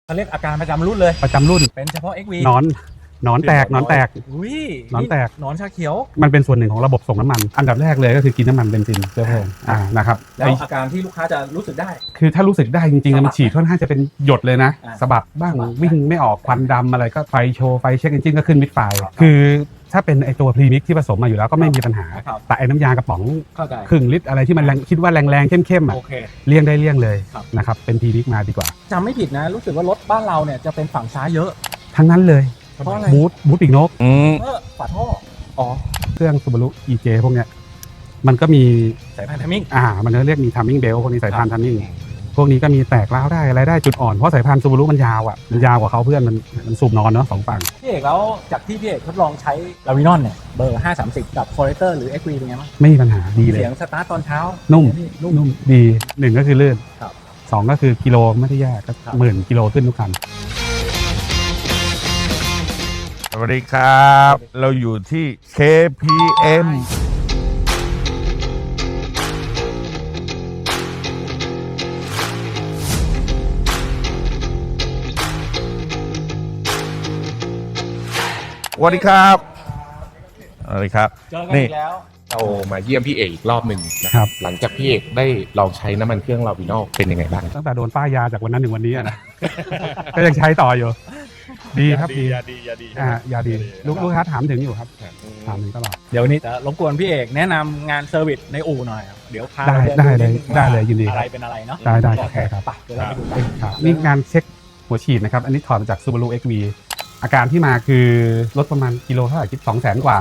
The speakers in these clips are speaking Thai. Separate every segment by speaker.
Speaker 1: เขาเรียกอาการประจำรุ่นเลย
Speaker 2: ประจำรุ่น
Speaker 1: เป็นเฉพาะ XV
Speaker 2: หนอนแตก
Speaker 1: อุ้ย
Speaker 2: หนอนแตก
Speaker 1: หนอนชาเขียว
Speaker 2: มันเป็นส่วนหนึ่งของระบบส่งน้ำมันอันดับแรกเลยก็คือกินน้ำมันเบนซินเชื้อเพลิงนะครับ
Speaker 1: แล้วอาการที่ลูกค้าจะรู้สึกได้
Speaker 2: คือถ้ารู้สึกได้จริงๆมันฉีดค่อนข้างจะเป็นหยดเลยนะสะบัดบ้างวิ่งไม่ออกควันดำอะไรก็ไฟโชว์ไฟเช็คเอนจินก็ขึ้นมิดไฟคือถ้าเป็นไอตัวพรีมิกที่ผสมมาอยู่แล้วก็ไม่มีปัญหาแต่ไอน้ำยากระป๋องครึ่งลิตรอะไรที่มันคิดว่าแรงๆเข้มๆอ่ะเลี่ยงได้เลี่ยงเลยนะครับเป็นพรีมิกมาดีกว่า
Speaker 1: จำไม่ผิดนะรู้สึกว่ารถบ้านเราเนี่ยจะเป็นฝั่งซ้ายเยอะ
Speaker 2: ทั้งนั้นเลย
Speaker 1: เพราะอะไร
Speaker 2: บูทปีกนก
Speaker 1: ฝาท่ออ๋อ
Speaker 2: เครื่อง Subaru EJ พวกเนี้ยมันก็มี
Speaker 1: สายพานทัมมิ่ง
Speaker 2: มันจะเรียกมีทัมมิ่งเบลพวกนี้สายพานทัมมิ่งพวกนี้ก็มีแตกร้าวได้อะไรได้จุดอ่อนเพราะสายพาน Subaru มันยาวอ่ะมันยาวกว่าเขาเพื่อนมันสูบนอนเนาะ2ฝั่ง
Speaker 1: พี่เอกแล้วจากที่พี่เอกทดลองใช้ลาวินอนเนี่ยเบอร์530กับ Forester หรือ XV เป็นไงบ้าง
Speaker 2: ไม่มีปัญหาดีเลย
Speaker 1: เสียงสตาร์ทตอนเช้า
Speaker 2: นุ่มดี1ก็คือลื่น2ก็คือกิโลไม่ได้แย่ก็10,000 กิโลขึ้นทุกคัน
Speaker 3: สวัสดีครับเราอยู่ที่ KPM สวัสดีครับสวัสดีครับ
Speaker 1: เจอกันอีกแล้ว
Speaker 4: เรามาเยี่ยมพี่เอกอีกรอบหนึ่งนะครับหลังจากพี่เอกได้ลองใช้น้ำมันเครื่องลาวินอลเป็นยังไงบ้าง
Speaker 2: ตั้งแต่โดนป้ายยาจากวันนั้นถึงวันนี้นะ ก็ยังใช้ต่ออยู่ดีครับดียาดีลูกค้าถามถึงอยู่ครับถามถึงตลอด
Speaker 1: เดี๋ยววันนี้จะรบกวนพี่เอกแนะนำงานเซอร์วิสในอู่หน่อยเดี๋ยวพา
Speaker 2: ได้เลยยินดี
Speaker 1: อะไรเป็นอะไรเนาะ
Speaker 2: ได้ครับ
Speaker 1: เดี๋ยวเราไปดูกัน
Speaker 2: นี่งานเช็คหัวฉีดนะครับอันนี้ถอดมาจาก Subaru XV อาการที่มาคือรถประมาณกิโลเท่าไหร่คิด200,000 กว่า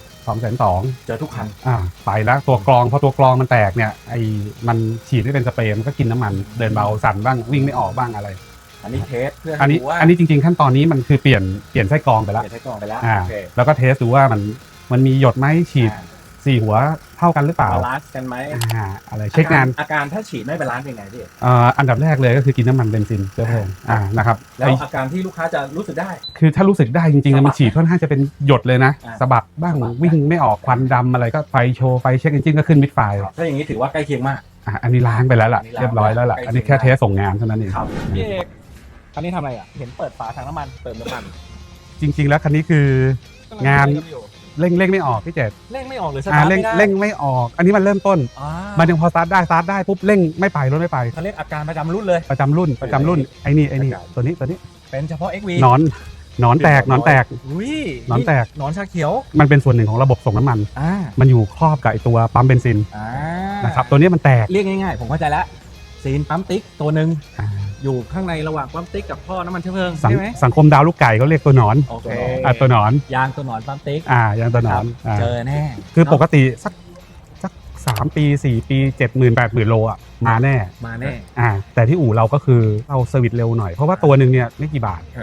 Speaker 2: 220,000
Speaker 1: เจอทุกคัน
Speaker 2: ไปแล้วตัวกรองพอตัวกรองมันแตกเนี่ยมันฉีดไม่เป็นสเปรย์มันก็กินน้ำมันเดินเบาสั่นบ้างวิ่งไม่ออกบ้างอะไร
Speaker 1: อันนี้เทสเพื่อ
Speaker 2: อันนี้จริงๆขั้นตอนนี้มันคือเปลี่ยนไส้กรองไปแล้วแล้วก็เทสดูว่ามันมีหยดไหมฉีด4 หัวเท่ากันหรือเปล่า
Speaker 1: บาลานซ์กันไหม
Speaker 2: อะไรเช็คงาน
Speaker 1: อาการถ้าฉีดไม่บาลานซ์เป็นไงพี่
Speaker 2: อันดับแรกเลยก็คือกินน้ำมันเบนซินเชื้อเพลิงนะครับ
Speaker 1: แล้วอาการที่ลูกค้าจะรู้สึกได้
Speaker 2: คือถ้ารู้สึกได้จริงๆมันฉีดค่อนข้างจะเป็นหยดเลยนะสะบัดบ้างวิ่งไม่ออกควันดำอะไรก็ไฟโชว์ไฟเช็คเอนจินก็ขึ้นมิดไฟ
Speaker 1: ถ้าอย่างนี้ถือว่าใกล้เคียงมาก
Speaker 2: อันนี้ล้างไปแล้วล่ะเรียบร้อยแล้วล่ะอันนี้แค่เทสส่งงานเท่านั้นเอง
Speaker 1: พี่เอกคันนี้ทำอะไรเห็นเปิดฝาถังน้ำมันเติมน้ำมัน
Speaker 2: จริงๆแล้วคันนี้คืองานเร่งไม่ออกพี่เจษ
Speaker 1: เร่งไม่ออกหรือสตาร์ทไม่ได้
Speaker 2: เร่งไม่ออกอันนี้มันเริ่มต้นมันยังพอสตาร์ทได้ปุ๊บเร่งไม่ไปรถไม่ไป
Speaker 1: เขาเรียกอาการประจำรุ่นเลย
Speaker 2: ประจำรุ่นไอ้นี่ตัวนี้
Speaker 1: เป็นเฉพาะ XV
Speaker 2: หนอนแตกหนอนแตกหน
Speaker 1: อนชาเขียว
Speaker 2: มันเป็นส่วนหนึ่งของระบบส่งน้ำมันมันอยู่ครอบกับไอตัวปั๊มเบนซินนะครับตัวนี้มันแตก
Speaker 1: เรียกง่ายๆผมเข้าใจแล้วซีนปั๊มติ๊กตัวหนึ่งอยู่ข้างในระหว่างปั๊มติ๊กกับท่อน้ำมันเชื้อเพลิงใช่ไหม
Speaker 2: สังคมดาวลูกไก่เขาเรียกตัวหนอนตัวหนอน
Speaker 1: ยางตัวหนอนปั๊มติ๊ก
Speaker 2: ยางตัวหนอน
Speaker 1: เจอแน่
Speaker 2: คือปกติสัก3 ปี4 ปี 70,000 80,000 โลอ่ะมาแน่แต่ที่อู่เราก็คือเอาเซอร์วิสเร็วหน่อยเพราะว่าตัวหนึ่งเนี่ยไม่กี่บาท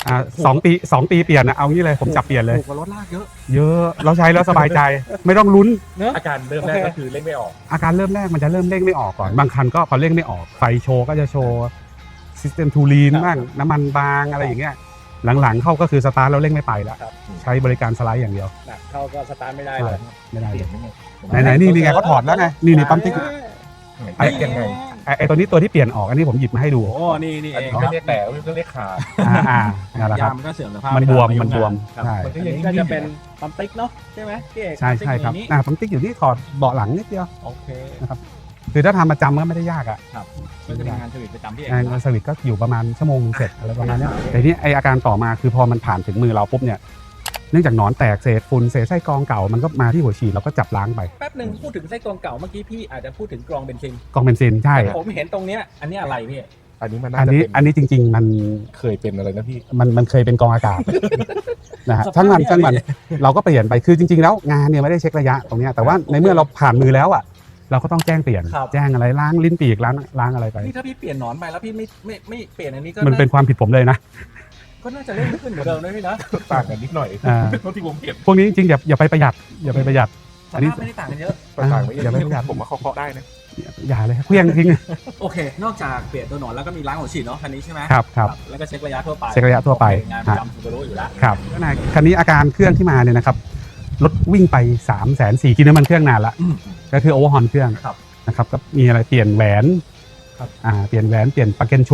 Speaker 2: 2 ปีเปลี่ยนนะเอางี้เลยผมจับเปลี่ยนเลย
Speaker 1: ถูกกว่ารถลากเยอะ
Speaker 2: เราใช้แล้วสบายใจไม่ต้องลุ้น
Speaker 4: อาการเริ่มแรกก็คือเร่งไม่ออก
Speaker 2: อาการเริ่มแรกมันจะเริ่มเร่งไม่ออกก่อนบางคันก็พอเร่งไม่ออกไฟโชว์ก็จะโชว์ซิสเต็มทูลีนบ้างน้ำมันบางอะไรอย่างเงี้ยหลังๆเข้าก็คือสตาร์ทแล้วเร่งไม่ไปแล้วใช้บริการสไลด์อย่างเดียว
Speaker 1: เข้าก็สตาร์ทไม่ได้เลย
Speaker 2: ไหนนี่ไงเขาถอดแล้วไงนี่ปั๊มติ๊กไอ้ตัวนี้ตัวที่เปลี่ยนออกอันนี้ผมหยิบมาให้ดู
Speaker 1: โอ้นี่
Speaker 4: อันนี้ก็เรียกแต่ก็เรียกขา
Speaker 2: นั่นแหละครับ
Speaker 1: มันก็เสื่อมสภาพ
Speaker 2: มันบวม
Speaker 1: ใช่ก็จะเป็นปั๊มติ๊กเนาะใช่ไหมพี่เอก
Speaker 2: ใช่ครับปั๊มติ๊กอยู่ที่ถอดเบาะหลังนิดเดียว
Speaker 1: โอเค
Speaker 2: นะครับคือถ้าทำประจำก็ไม่ได้ยากอ่ะ
Speaker 1: ครับก็จะมีงานเซอร์วิสประจำพี่เอก
Speaker 2: งานเซอร์วิสก็อยู่ประมาณชั่วโมงนึงเสร็จอะไรประมาณนี้แต่นี่ไออาการต่อมาคือพอมันผ่านถึงมือเราปุ๊บเนี่ยเนื่องจากหนอนแตกเศษฝุ่นเศษไส้กรองเก่ามันก็มาที่หัวฉีดเราก็จับล้างไป
Speaker 1: แป๊บนึงพูดถึงไส้กรองเก่าเมื่อกี้พี่อาจจะพูดถึงกรองเบนซิน
Speaker 2: ใช่
Speaker 1: ผมเห็นตรงเนี้ยอันนี้อะไรพี่
Speaker 4: อัน
Speaker 2: นี้จริงๆมัน
Speaker 4: เคยเป็นอะไรนะพี่
Speaker 2: มันเคยเป็นกรองอากาศนะฮะทั้งวันเราก็เปลี่ยนไปคือจริงๆแล้วงานเนี่ยไม่ได้เช็คระยะตรงนี้แต่ว่าในเมื่อเราผ่านมือแล้วอ่ะเราก็ต้องแจ้งเปลี่ยนแจ้งอะไรล้างลิ้นปีกล้างอะไรไป
Speaker 1: นี่ถ้าพี่เปลี่ยนหนอนไปแล้วพี่ไม่เปลี่ยนอันนี้ก็
Speaker 2: มันเป็นความผิดผมเลยนะ
Speaker 1: ก็น่าจะเล่นขึ้นเหมือนเดิมนะพี่นะ
Speaker 4: ต่างกันนิดหน่อยที่ผมเปลี่ยน
Speaker 2: พวกนี้จริงๆอย่าไปประหยัด
Speaker 1: อันนี้ไม่ได้ต่างกันเยอะ
Speaker 4: อย่าไปประหยัดผมว่าเคาะได้นะ
Speaker 2: อย่าเลยเพียงทิ้ง
Speaker 1: โอเคนอกจากเปลี่ยนตัวหนอนแล้วก็มีล้างหัวฉีดเนาะคันนี้ใช่ไหม
Speaker 2: ครับ
Speaker 1: แล้วก็เช็คระยะทั่
Speaker 2: วไป
Speaker 1: งานประจำSubaruอยู่แล้ว
Speaker 2: ครับคันนี้อาการเครื่องที่มาเนี่ยนะครับรถวิ่งไป340,000กินน้ำมันเครื่องนานละก็คือโอเวอร์ฮอนเครื่องนะครับก็มีอะไรเปลี่ยนแหวนเปลี่ยนปลั๊กเกนชุด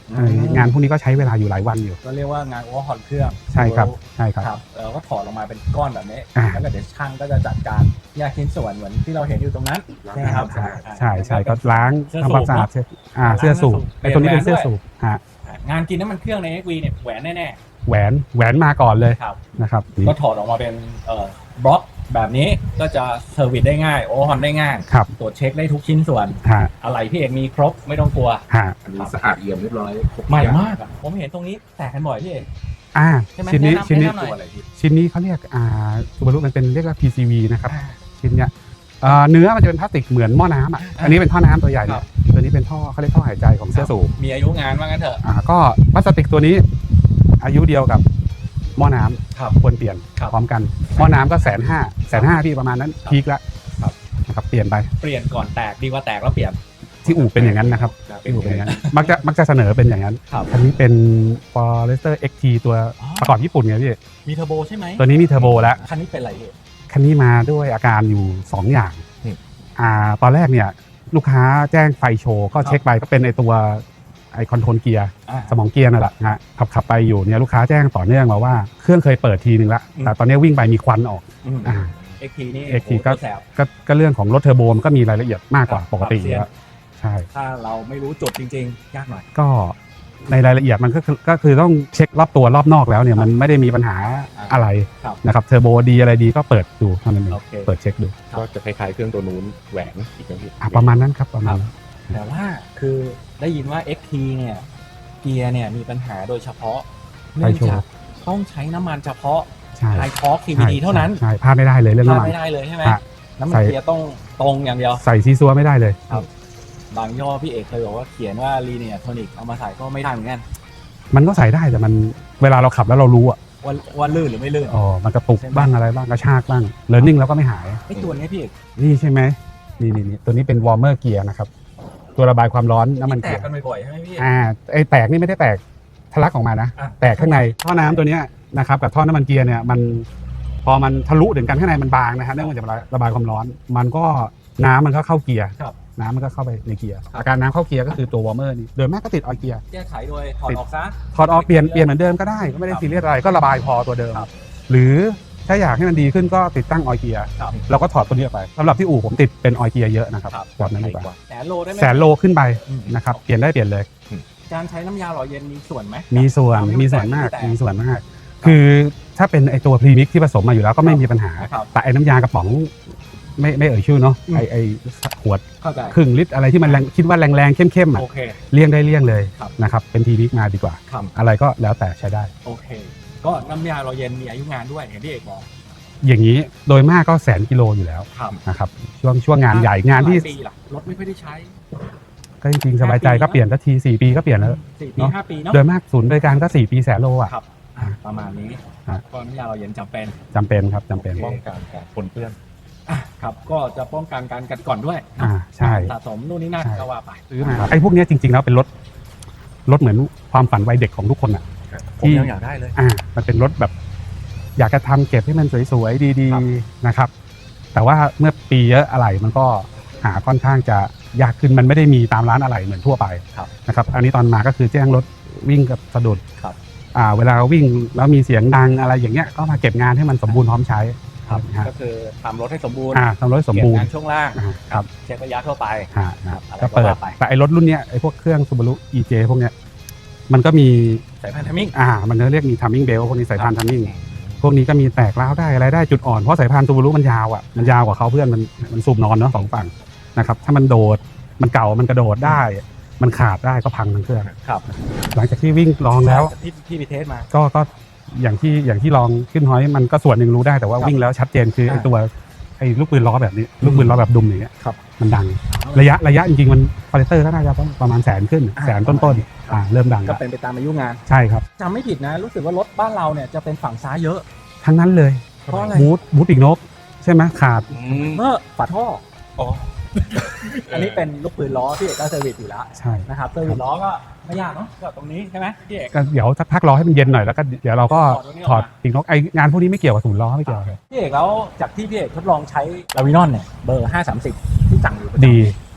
Speaker 2: งานพวกนี้ก็ใช้เวลาอยู่หลายวันอยู่
Speaker 1: ก็เรียกว่างานโอเวอร์ฮอลเครื่อง
Speaker 2: ใช่ครับใช่ครับ
Speaker 1: ครับเราก็ถอดออกมาเป็นก้อนแบบนี้
Speaker 2: อ่า
Speaker 1: แล้วก็เดี๋ยวช่างก็จะจัดการแยกชิ้นส่วนเหมือนที่เราเห็นอยู่ตรงนั้นใช่ไหมครับ
Speaker 2: ใช่ก็ล้าง
Speaker 1: เสื้อ
Speaker 2: ทำความสะอาด
Speaker 1: สูบ
Speaker 2: เสื้อสูบ
Speaker 1: เปลี่ยน
Speaker 2: ไอ้ตัวนี้เป็น
Speaker 1: แบรนด์
Speaker 2: เสื้อ
Speaker 1: ด้วย
Speaker 2: สูบฮะ
Speaker 1: งานกินน้ำมันเครื่องใน XV เนี่ยแหวนแน่
Speaker 2: แหวนมาก่อนเลย
Speaker 1: ๆครับ
Speaker 2: นะครับ
Speaker 1: ก็ถอดออกมาเป็นบล็อกแบบนี้ก็จะเซอร์วิสได้ง่ายโอเวอร์ฮอลได้ง่าย
Speaker 2: ครับ
Speaker 1: ตรวจเช็คได้ทุกชิ้นส่วน
Speaker 2: ฮะ
Speaker 1: อะไรพี่เอกมีครบไม่ต้องกลัว
Speaker 2: ฮะ
Speaker 4: อันนี้สะอาดเอี่ยมเรียบร้อยครบ
Speaker 1: ใหม่มากอะผมเห็นตรงนี้แตกกันบ่อยพี่เอก ใช่ไหม
Speaker 2: ชิ้นนี้
Speaker 1: แนะนำ
Speaker 2: ชิ้นนี้
Speaker 1: แนะนำหน่อย
Speaker 4: ตัวอะไรพี่
Speaker 2: ชิ้นนี้เขาเรียกซูบารุมันเป็นเรียกว่า PCV นะครับชิ้นเนี้ยเนื้อมันจะเป็นพลาสติกเหมือนหม้อน้ำอ่ะอันนี้เป็นท่อน้ำตัวใหญ่เนี่ยตัวนี้เป็นท่อเขาเรียกท่อหายใจของเสื้อสูบ
Speaker 1: มีอายุงานว่างั้นเถอะ
Speaker 2: ก็พลาสติกตัวนี้อายุเดียวกับหม้อน้ำ
Speaker 1: ครับ
Speaker 2: ควรเปลี่ยน
Speaker 1: ครับ
Speaker 2: พร้อมกันหม้อน้ำก็150,000พี่ประมาณนั้นพีคละ
Speaker 1: ครับ
Speaker 2: นะครับเปลี่ยนไป
Speaker 1: เปลี่ยนก่อนแตกดีกว่าแตกแล้วเปลี่ยน
Speaker 2: ที่อู่เป็นอย่างนั้นนะครับที่อู่เป็นอย่างนั้นมักจะเสนอเป็นอย่างนั้น
Speaker 1: ครับ
Speaker 2: อันนี้เป็น Forester XT ตัว
Speaker 1: อ๋อ
Speaker 2: ประกอบญี่ปุ่นไงพี่
Speaker 1: มีเทอร์โบใช่ไหม
Speaker 2: ตัวนี้มีเทอร์โบแล้ว
Speaker 1: คันนี้เป็นอะไรพี่
Speaker 2: คันนี้มาด้วยอาการอยู่ 2 อย่าง
Speaker 4: อืม
Speaker 2: ตอนแรกเนี่ยลูกค้าแจ้งไฟโชว์ก็เช็คไปก็เป็นไอตัวไอคอนโทรลเกียร์
Speaker 1: อ่า
Speaker 2: สมองเกียร์นั่นแหละนะฮะขับไปอยู่เนี่ยลูกค้าแจ้งต่อเนื่องมาว่าเครื่องเคยเปิดทีนึงละ
Speaker 1: อืม
Speaker 2: แต่ตอนนี้วิ่งไปมีควันออก อ่า
Speaker 1: XT นี่
Speaker 2: XT
Speaker 1: โอ้โห
Speaker 2: ก็
Speaker 1: แสบ
Speaker 2: ก็เรื่องของรถเทอร์โบมันก็มีรายละเอียดมากกว่าปกติอยู่แล้วใช่
Speaker 1: ถ้าเราไม่รู้จุดจริงๆ ยากหน่อย
Speaker 2: ก็ในรายละเอียดมันก็คือต้องเช็ครอบตัวรอบนอกแล้วเนี่ยมันไม่ได้มีปัญหาอะไร
Speaker 1: ครับ
Speaker 2: นะครับเทอร์โบดีอะไรดีก็เปิดดูเท่านั้นเอง
Speaker 1: โอเค
Speaker 2: เปิดเช็คดู
Speaker 4: ก็จะคล้ายๆเครื่องตัวนู้นแหวนอีกนะพี่
Speaker 2: ประมาณนั้นครับประมาณนั้น
Speaker 1: แต่ว่าคือได้ยินว่า XT เนี่ยเกียร์เนี่ยมีปัญหาโดยเฉพาะเนื่องจากต้องใช้น้ำมันเฉพาะ
Speaker 2: ใช่
Speaker 1: ไฮทอร์ก CVT เท่านั้น
Speaker 2: ใช่พลาดไม่ได้เลยเรื่อง
Speaker 1: พลาด
Speaker 2: น้ำมัน
Speaker 1: ไม่ได้เลยใช่ไหม
Speaker 2: ฮะ
Speaker 1: น้ำมัน
Speaker 2: ใส่
Speaker 1: เกียร์ต้องตรงอย่างเดียว
Speaker 2: ใส่ซีซัวไม่ได้เลย
Speaker 1: บางย่อพี่เอกเคยบอกว่าเขียนว่า Linear Tonic เอามาใส่ก็ไม่ได้เหมือนกัน
Speaker 2: มันก็ใส่ได้แต่มันเวลาเราขับแล้วเรารู้อ่ะ
Speaker 1: ว่าลื่นหรือไม่ลื่น
Speaker 2: อ๋อมันกระตุก
Speaker 1: ใช่ไหม
Speaker 2: บ้างอะไรบ้างกระชากบ้างเลิร์นนิ่งแล้วก็ไม่หาย
Speaker 1: ไอ้ตัวเนี้ยพี่เอก
Speaker 2: นี่ใช่ไหมนี่ตัวนี้เป็นวอร์เมอร์เกียร์นะครับตัวระบายความร้อนน้ำมัน
Speaker 1: แต
Speaker 2: เกีย
Speaker 1: ก
Speaker 2: ร์
Speaker 1: กันบ่อยๆใช่ไหมพี่
Speaker 2: ไอ้แตกนี่ไม่ได้แตกทะลักออกมานะ
Speaker 1: อ่ะ
Speaker 2: แตกข้างในท่อน้ำตัวเนี้ยนะครับกับท่อน้ำมันเกียร์เนี่ยมันพอมันทะลุถึงกันข้างในมันบางนะฮะเนื่องมาจากระบายความร้อน มันก็น้ำมันก็เข้าเกียร์
Speaker 1: ครับ
Speaker 2: น้ำมันก็เข้าไปในเกียร์อาการน้ำเข้าเกียร์ก็คือตัววอร์เมอร์นี่โดยมากก็ติดออยล์เกียร์
Speaker 1: แก้ไขโดยถอดออกซะ
Speaker 2: ถอดออกเปลี่ยนเหมือนเดิมก็ได้ก็ไม่ได้ซีเรียสอะไรก็ระบายพอตัวเดิม
Speaker 1: ครับ
Speaker 2: หรือถ้าอยากให้มันดีขึ้นก็ติดตั้งออยล์เกียร์
Speaker 1: ครับ
Speaker 2: เราก็ถอดตัวนี้ออกไปสำหรับที่อู่ผมติดเป็นออยล์เกียร์เยอะนะครับ
Speaker 1: ครับ
Speaker 2: แบบนั้นดีกว่า
Speaker 1: แสนโลได้ไหม
Speaker 2: แสนโลขึ้นไป
Speaker 1: อืม
Speaker 2: นะครับเปลี่ยนได้เปลี่ยนเลย
Speaker 1: การใช้น้ำยาหล่อเย็นมีส่วนไหม
Speaker 2: มีส่วน
Speaker 1: ทำให้
Speaker 2: มีส่วนมาก
Speaker 1: แต
Speaker 2: มีส่วนมาก คือถ้าเป็นไอตัวพรีมิกที่ผสมมาอยู่แล้วก็ไม่มีปัญหา
Speaker 1: ครับ
Speaker 2: แต่ไอน้ำยากระป๋องไม่เอ่ยชื่อเนาะ
Speaker 1: อืม
Speaker 2: ไอขวด
Speaker 1: เข้าใจ
Speaker 2: ครึ่งลิตรอะไรที่มันแรงคิดว่าแรงๆเข้มๆอ่ะ
Speaker 1: โอเค
Speaker 2: เลี่ยงได้เลี่ยงเลย
Speaker 1: ครับ
Speaker 2: นะครับเป็นพรีมิกมาดีกว่า
Speaker 1: ครับ
Speaker 2: อะไรก็แล้วแต่ใช้ได้
Speaker 1: โอเค ก็น้ำยาหล่อเย็นมีอายุงานด้วยเห็นพี่เอกบอก
Speaker 2: อย่างนี้โดยมากก็100,000 กิโลอยู่แล้ว
Speaker 1: ครับ
Speaker 2: นะครับช่วงงานใหญ่งานที่
Speaker 1: หลยปีล่ะรถไม่ค่อยได้ใช้
Speaker 2: ก็จริงๆสบายใจก็เปลี่ยนสักที4 ปีก็เปลี่ยนแล้ว
Speaker 1: 4 ปี
Speaker 2: เนอะ
Speaker 1: 5 ปีเนาะ
Speaker 2: โดยมากศูนย์บริการก็4 ปี100,000 โลอ่ะ
Speaker 1: ครับประมาณนี้
Speaker 2: ครับ
Speaker 1: ก็น้ำยาหล่อเย็นจำเป็น
Speaker 2: จำเป็นครับจำเป็น
Speaker 4: ป้องกันการปนเปื้อน
Speaker 1: ครับก็จะป้องกันการกัดก่อนด้วย
Speaker 2: ใช่
Speaker 1: สะสมนู่นนี่นั่น
Speaker 2: ใช่
Speaker 1: ก็ว่าไป
Speaker 2: ซื้อมาไอ้พวกเนี้ยจริงๆแล้วเป็นรถเหมือนความฝันวัยเด็กของทุกคนอ่ะ
Speaker 1: ผมยังอยากได้เลย
Speaker 2: มันเป็นรถแบบอยากจะทำเก็บให้มันสวยๆดี
Speaker 1: ครับ
Speaker 2: ๆนะครับ แต่ว่าเมื่อปีเยอะอะไรมันก็หาค่อนข้างจะยากขึ้นมันไม่ได้มีตามร้านอะไรเหมือนทั่วไป
Speaker 1: ครับ
Speaker 2: นะครับ อันนี้ตอนมาก็คือแจ้งรถวิ่งกับสะดุด
Speaker 1: ครับ
Speaker 2: เวลาวิ่งแล้วมีเสียงดังอะไรอย่างเงี้ยก็มาเก็บงานให้มันสมบูรณ์พร้อมใช้นะฮะ
Speaker 1: ก็คือทำรถให้สมบูรณ์
Speaker 2: ทำรถให้สม
Speaker 1: เก็บ
Speaker 2: บูรณ์
Speaker 1: งานช่วงล่าง
Speaker 2: ครับ
Speaker 1: เช็คระยะทั่วไป
Speaker 2: ครับ
Speaker 1: อะไร
Speaker 2: ก็เปิด
Speaker 1: ก็ว่าไป
Speaker 2: แต่ไอ้รถรุ่นเนี้ยไอ้พวกเครื่อง Subaru EJ พวกเนี้ยมันก็มี
Speaker 1: สายพันธุ์ทัมมิ่ง
Speaker 2: มันเรียกมี timing belt พวกนี้สายพาน timing พวกนี้ก็มีแตกร้าวได้อะไรได้จุดอ่อนเพราะสายพาน Subaru มันยาวอ่ะมันยาวกว่าเขาเพื่อนมันสูบนอนเนาะสองฝั่งนะครับถ้ามันโดดมันเก่ามันกระโดดได้ มันขาดได้ก็พังทั้งเครื่อง
Speaker 1: ครับ
Speaker 2: หลังจากที่วิ่งลองแล้ว
Speaker 1: ที่ไปเทสมา
Speaker 2: ก็อย่างที่ลองขึ้นฮอยมันก็ส่วนหนึ่งรู้ได้แต่ว่า
Speaker 1: ครับ
Speaker 2: วิ่งแล้วชัดเจนคือไอ้
Speaker 1: อ่า
Speaker 2: ตัวไอ้ลูกปืนล้อแบบนี้ลูกปืนล้อแบบดุมอย่างเงี้ย
Speaker 1: ครับ
Speaker 2: มันดังระยะจริงๆมันคอเลสเตอร์ก็น่าจะต้องประมาณ100,000ขึ้นแสนต้นๆเริ่มดัง
Speaker 1: ก็
Speaker 2: แล้ว
Speaker 1: เป็นไปตามอายุงาน
Speaker 2: ใช่ครับ
Speaker 1: จำไม่ผิดนะ รู้สึกว่ารถบ้านเราเนี่ยจะเป็นฝั่งซ้ายเยอะ
Speaker 2: ทั้งนั้นเลย
Speaker 1: เพราะอะไร
Speaker 2: บูทปีกนกใช่ไหมขาด
Speaker 1: เมื่อฝาท่อ
Speaker 4: อ๋อ
Speaker 1: อันนี้เป็นลูกปืนล้อพี่เอกก็เซอร์วิสอยู่แล้ว
Speaker 2: ใช่
Speaker 1: นะครับเซอร์วิสล้อก็ไม่ยากเนาะก็ตรงนี้ใช่ไหมพี่เอก
Speaker 2: ก็เดี๋ยวสักพักรอให้มันเย็นหน่อยแล้วก็เดี๋ยวเราก็
Speaker 1: ถอดตัวนี้ออกมา
Speaker 2: ถอดปีกนกไองานพวกนี้ไม่เกี่ยวกับศูนย์ล้อไม่เกี่ยวเลย
Speaker 1: พี่เอกแล้วจากที่พี่เอกทดลองใช้ลาวินอนเนี่ยเบอร์ 530 ที่สั่งอยู่ประจำ
Speaker 2: ดี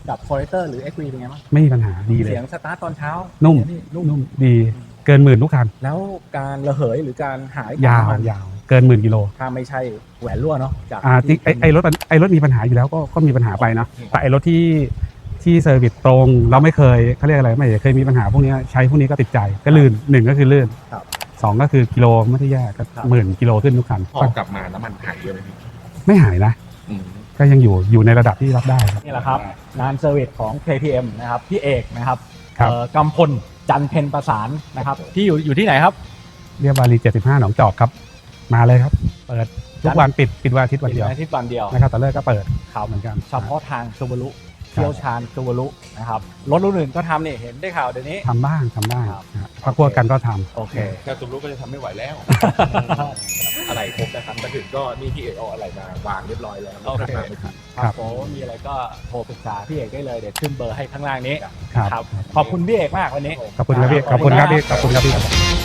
Speaker 1: กับ Forester หรือ XV เป็นไงบ้าง
Speaker 2: ไม่มีปัญหาดีเลย
Speaker 1: เสียงสตาร์ทตอนเช้า
Speaker 2: นุ่ม
Speaker 1: นุ่ม
Speaker 2: นุ่มดีเกินหมื่นทุกคัน
Speaker 1: แล้วการระเหยหรือการหาย
Speaker 2: ยาว
Speaker 1: ของมัน
Speaker 2: ยาวเกินหมื่นกิโล
Speaker 1: ถ้าไม่ใช่แหวนรั่วเนาะจาก
Speaker 2: จริงไอ้รถมีปัญหาอยู่แล้วก็มีปัญหาไปเนาะแต่ไอ้รถที่เซอร์วิสตรงเราไม่เคยเขาเรียกอะไรไม่เคยมีปัญหาพวกนี้ใช้พวกนี้ก็ติดใจก็ลื่นหนึ่งก็คือลื่น
Speaker 1: ครับ
Speaker 2: สองก็คือกิโลไม่ได้แย่ก็
Speaker 1: ครับ
Speaker 2: หมื่นกิโลขึ้นทุกคัน
Speaker 4: พอกลับมาน้ำมันหายเยอะไหมพี่
Speaker 2: ไม่หายนะ
Speaker 4: อืม
Speaker 2: ก็ยังอยู่ในระดับที่รับได้ครับ
Speaker 1: นี่แหละครับงานเซอร์วิสของ KTM นะครับพี่เอกนะครับ
Speaker 2: ครับ
Speaker 1: กำพลจันเพ็ญประสานนะครับที่อยู่ที่ไหนครับ
Speaker 2: เรียบวารี75หนองจอกครับมาเลยครับเปิดทุกวันปิดวันอาทิตย์วันเดียว
Speaker 1: อาทิตย์วันเดียว
Speaker 2: นะครับแต่เลิกก็เปิด
Speaker 1: ครับ
Speaker 2: เหมือนกัน
Speaker 1: เฉพาะทางซูบารุเชี่ยวชาญซูบารุนะครับรถรุ่นอื่นก็ทำนี่เห็นได้ข่าวเดี๋ยวนี้
Speaker 2: ทำบ้างนะ
Speaker 1: ครับ
Speaker 2: พักพวกกันก็ทำ
Speaker 1: โอเค
Speaker 4: แค่ตุ้มรู้ก็จะทำไม่ไหวแล้ว อะไรครบนะครับมาถึงก็นี่พี่เอกเอาอะไรมาวางเรียบร้อยแล้ว
Speaker 1: โอเค
Speaker 4: ราาไม่ถึง
Speaker 1: ครับผมมีอะไรก็โทรปรึกษาพี่เอกได้เลยเดี๋ยวขึ้นเบอร์ให้ข้างล่างนี้
Speaker 2: ครับ
Speaker 1: ครับขอบคุณพี่เอกมากวันนี้
Speaker 2: ขอบคุณครับพี่ขอบคุณครับพี่ขอบคุณครับพี่